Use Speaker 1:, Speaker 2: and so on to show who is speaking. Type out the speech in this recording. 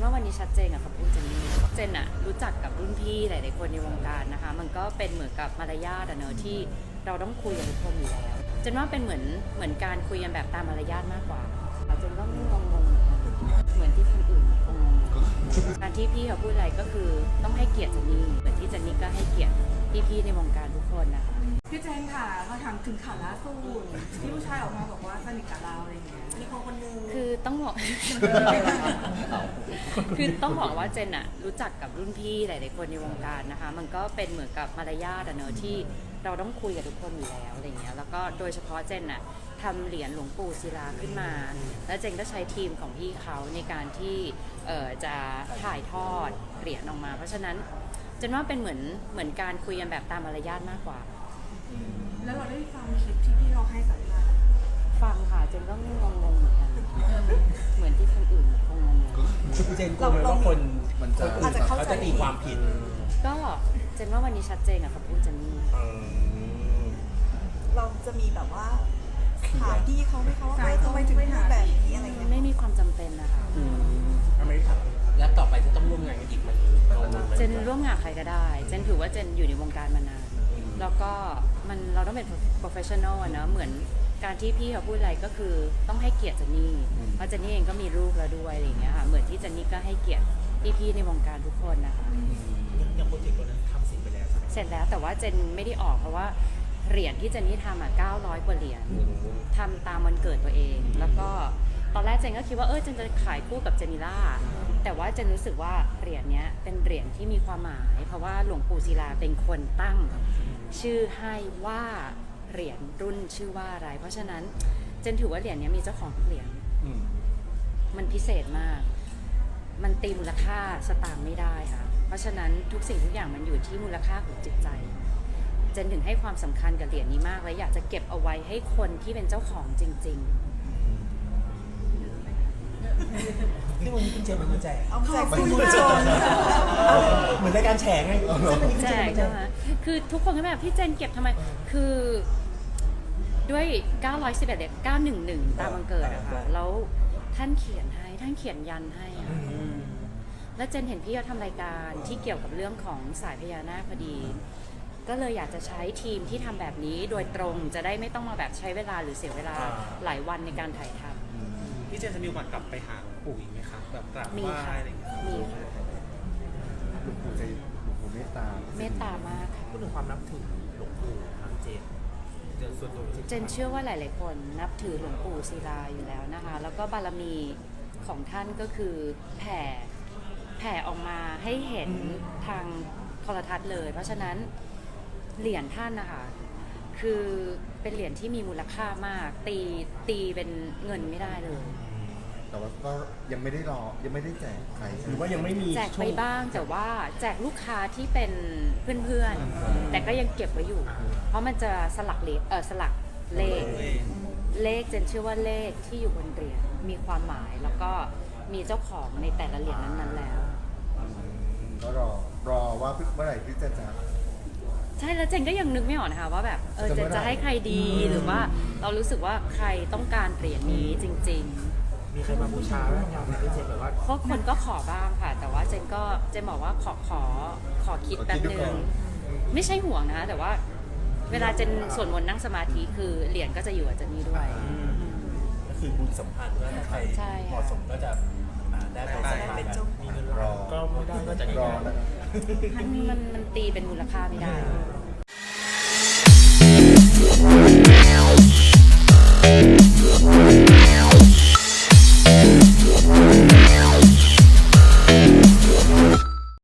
Speaker 1: ว่าวันนี้ชัดเจนกับคำพูดเจนนี่เจนอะรู้จักกับรุ่นพี่หลายๆคนในวงการนะคะมันก็เป็นเหมือนกับมารยาทอะเนอะที่เราต้องคุยกับทุกคนอยู่แล้วเจนว่าเป็นเหมือนการคุยกันแบบตามมารยาทมากกว่าเจนก็งงเหมือนที่คนอื่นคงงการที่พี่เขาพูดอะไรก็คือต้องให้เกียรติเจนนี่เหมือนที่เจนนี่ก็ให้เกียรติพี่ๆในวงการทุกคนนะคะ
Speaker 2: พี่เจนค่ะเขาถามถึงข่าวล่าสุดที่ผู้ชายออกมาบอกว่าสนิทกับเราอะไรอย่างเงี้ยมีคนนึง
Speaker 1: คือต้องบอก คือต้องบอกว่าเจนอะรู้จักกับรุ่นพี่หลายๆคนในวงการนะคะมันก็เป็นเหมือนกับมารยาทอะเนอะที่เราต้องคุยกับทุกคนอยู่แล้วอะไรเงี้ยแล้วก็โดยเฉพาะเจนอะทำเหรียญหลวงปู่ศิลาขึ้นมาแล้วเจนก็ใช้ทีมของพี่เขาในการที่จะถ่ายทอดเหรียญออกมาเพราะฉะนั้นเจนว่าเป็นเหมือนการคุยกันแบบตามมารยาทมากกว่า
Speaker 2: แล้วเราได้ฟังคลิปที่พี่เราให้สัมภาษณ์
Speaker 1: ฟังค่ะเจนก็งงเหมือนกันเหมือนที่คนอื่นคงงง
Speaker 3: เจนกลัวไหมว่าคน
Speaker 2: อาจจะ
Speaker 3: เขาจะตีความผิด
Speaker 1: ก็เจนว่าวันนี้ชัดเจนกับคำพูดเจนนี่
Speaker 4: เราจะมีแบบว่าถามพี่เขาไหมคะว่าทำไมถึงพูดแบบนี้อะไรเงี้ย
Speaker 1: ไม่มีความจำเป็นนะคะ
Speaker 3: ไม่ถามแล้วต่อไปจะต้องร่วมงานกันอีกมัน
Speaker 1: เจนร่วมงานใครก็ได้เจนถือว่าเจนอยู่ในวงการมานานแล้วก็เราต้องเป็น professional อะเนอะเหมือนการที่พี่เขาพูดอะไรก็คือต้องให้เกียรติเจนนี่เพราะเจนนี่เองก็มีลูกแล้วด้วยอะไรอย่างเงี้ยค่ะเหมือนที่เจนนี่ก็ให้เกียรติพี่ๆในวงการทุกคนนะคะ
Speaker 3: ยังโปรเจกต์ตัวนั้นทำเสร็จไปแล้ว
Speaker 1: เสร็จแล้วแต่ว่าเจนไม่ได้ออกเพราะว่าเหรียญที่เจนนี่ทำ900 กว่าเหรียญทำตามวันเกิดตัวเองแล้วก็ตอนแรกเจนก็คิดว่าเจนจะขายคู่กับเจนิล่าแต่ว่าเจนรู้สึกว่าเหรียญนี้เป็นเหรียญที่มีความหมายเพราะว่าหลวงปู่ศิลาเป็นคนตั้งชื่อให้ว่าเหรียญรุ่นชื่อว่าอะไรเพราะฉะนั้นเจนถือว่าเหรียญนี้มีเจ้าของทุกเหรียญมันพิเศษมากมันตีมูลค่าสตางค์ไม่ได้ค่ะเพราะฉะนั้นทุกสิ่งทุกอย่างมันอยู่ที่มูลค่าของจิตใจเจนถึงให้ความสำคัญกับเหรียญนี้มากและอยากจะเก็บเอาไว้ให้คนที่เป็นเจ้าของจริงๆ
Speaker 3: ที่วันนี้คุณเจมส์มาแจก
Speaker 4: เอาแจกคุณผู้ชม
Speaker 3: เหมือนรายการแฉไง
Speaker 1: แจกใช่ไหมคือทุกคนก็แบบพี่เจนเก็บทำไมคือด้วย911เด็ก911ตามวันเกิดอะค่ะแล้วท่านเขียนยันให้อะแล้วเจนเห็นพี่เขาทำรายการที่เกี่ยวกับเรื่องของสายพญานาคพอดีก็เลยอยากจะใช้ทีมที่ทำแบบนี้โดยตรงจะได้ไม่ต้องมาแบบใช้เวลาหรือเสียเวลาหลายวันในการถ่ายทำ
Speaker 5: พี่เจนจะมีวันกลับไปหาหลวงปู่อีกไหมครับแบบกราบไหว้อะไรอย่างเงี้ย
Speaker 1: มีค่ะ
Speaker 6: หลวงปู่ใจหลวงปู่เมตต
Speaker 1: ามากค่ะ
Speaker 3: พูดถึงความนับถือหลวงปู่ทางเจนส่วนตัว
Speaker 1: เจนเชื่อว่าหลายๆคนนับถือหลวงปู่ศิลาอยู่แล้วนะคะแล้วก็บารมีของท่านก็คือแผ่ออกมาให้เห็นทางโทรทัศน์เลยเพราะฉะนั้นเหรียญท่านนะคะคือเป็นเหรียญที่มีมูลค่ามากตีเป็นเงินไม่ได้เลย
Speaker 6: แต่ว่าก็ยังไม่ได้แจกใคร
Speaker 3: หรือว่ายังไม่มี
Speaker 1: แจกไปบ้างแต่ว่าแจกลูกค้าที่เป็นเพื่อนๆแต่ก็ยังเก็บไว้อยู่เพราะมันจะสลักเลขเจนเชื่อว่าเลขที่อยู่บนเหรียญมีความหมายแล้วก็มีเจ้าของในแต่ละเหรียญนั้นๆแล้ว
Speaker 6: ก็รอว่าเมื่อไหร่ที่จะ
Speaker 1: ใช่แล้วเจนก็ยังนึกไม่ออกนะคะว่าแบบเจนจะให้ใครดีหรือว่าเรารู้สึกว่าใครต้องการเหรียญนี้จริง
Speaker 3: ๆมีใครมาบูชาไหมอย่างที่เจนแบบว่า
Speaker 1: เพราะคนก็ขอบ้างค่ะแต่ว่าเจนบอกว่าขอคิดแป๊บนึงไม่ใช่ห่วงนะคะแต่ว่าเวลาเจนสวดมนต์นั่งสมาธิคือเหรียญก็จะอยู่กับเจนนี่ด้วย
Speaker 3: ก็คือบุญสัมพันธ์ว่าถ้าใครเหมาะสมก็จะได้ไปสัมพันธ์มีเงินรอก็ไม่ได้ก็จะรอ
Speaker 1: มันตีเป็นมูลค่าไม่ได้